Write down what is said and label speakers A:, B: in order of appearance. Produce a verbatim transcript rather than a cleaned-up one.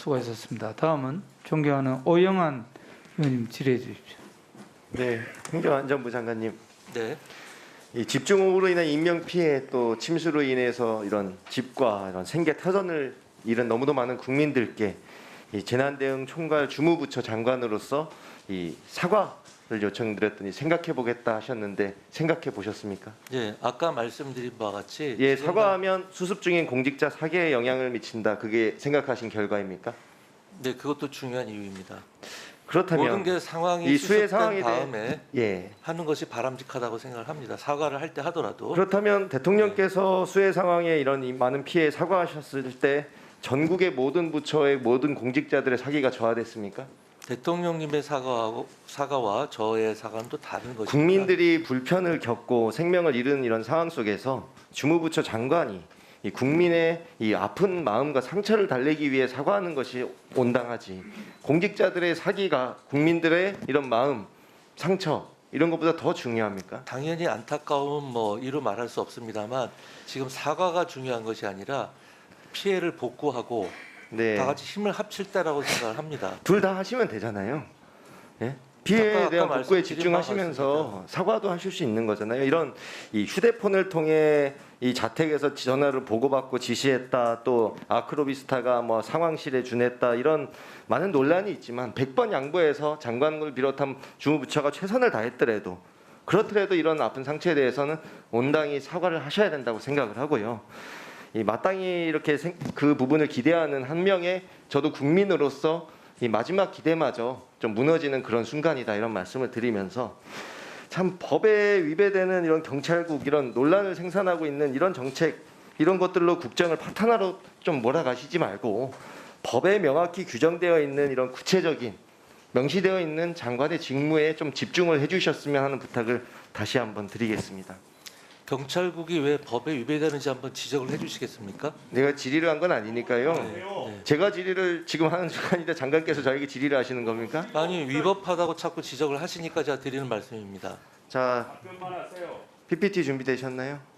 A: 수고하셨습니다. 다음은 존경하는 오영환 의원님 질의해 주십시오.
B: 네, 행정안전부 장관님.
A: 네.
B: 이 집중호우로 인한 인명 피해 또 침수로 인해서 이런 집과 이런 생계 터전을 잃은 너무도 많은 국민들께 이 재난대응 총괄 주무부처 장관으로서 이 사과를 요청드렸더니 생각해 보겠다 하셨는데 생각해 보셨습니까?
C: 예, 아까 말씀드린 바와 같이
B: 예,
C: 지금
B: 사과하면 수습 중인 공직자 사계에 영향을 미친다. 그게 생각하신 결과입니까?
C: 네, 그것도 중요한 이유입니다.
B: 그렇다면
C: 모든 게 상황이
B: 이 수해
C: 수습된
B: 상황에 대해
C: 다음에
B: 예.
C: 하는 것이 바람직하다고 생각을 합니다. 사과를 할 때 하더라도
B: 그렇다면 대통령께서 수해 상황에 이런 이 많은 피해 사과하셨을 때 전국의 모든 부처의 모든 공직자들의 사기가 저하됐습니까?
C: 대통령님의 사과하고 사과와 저의 사과는 또 다른 것입니다.
B: 국민들이 불편을 겪고 생명을 잃은 이런 상황 속에서 주무부처 장관이 이 국민의 이 아픈 마음과 상처를 달래기 위해 사과하는 것이 온당하지, 공직자들의 사기가 국민들의 이런 마음, 상처 이런 것보다 더 중요합니까?
C: 당연히 안타까움 뭐 이루 말할 수 없습니다만 지금 사과가 중요한 것이 아니라 피해를 복구하고
B: 네.
C: 다 같이 힘을 합칠 때라고 생각을 합니다.
B: 둘 다 하시면 되잖아요. 예? 피해에
C: 아까,
B: 대한
C: 아까
B: 복구에
C: 말씀드린
B: 집중하시면서
C: 바가
B: 사과도 하실 수 있는 거잖아요. 이런 이 휴대폰을 통해 이 자택에서 전화를 보고받고 지시했다, 또 아크로비스타가 뭐 상황실에 준했다, 이런 많은 논란이 있지만 백 번 양보해서 장관을 비롯한 주무부처가 최선을 다했더라도 그렇더라도 이런 아픈 상처에 대해서는 온당히 사과를 하셔야 된다고 생각을 하고요. 이 마땅히 이렇게 생, 그 부분을 기대하는 한 명의 저도 국민으로서 이 마지막 기대마저 좀 무너지는 그런 순간이다, 이런 말씀을 드리면서 참 법에 위배되는 이런 경찰국, 이런 논란을 생산하고 있는 이런 정책, 이런 것들로 국정을 파탄화로 좀 몰아가시지 말고 법에 명확히 규정되어 있는 이런 구체적인 명시되어 있는 장관의 직무에 좀 집중을 해주셨으면 하는 부탁을 다시 한번 드리겠습니다.
C: 경찰국이 왜 법에 위배되는지 한번 지적을 해주시겠습니까?
B: 내가 질의를 한 건 아니니까요.
C: 네.
B: 제가 질의를 지금 하는 순간인데 장관께서 저에게 질의를 하시는 겁니까?
C: 아니 위법하다고 자꾸 지적을 하시니까 제가 드리는 말씀입니다.
B: 자, 피피티 준비되셨나요?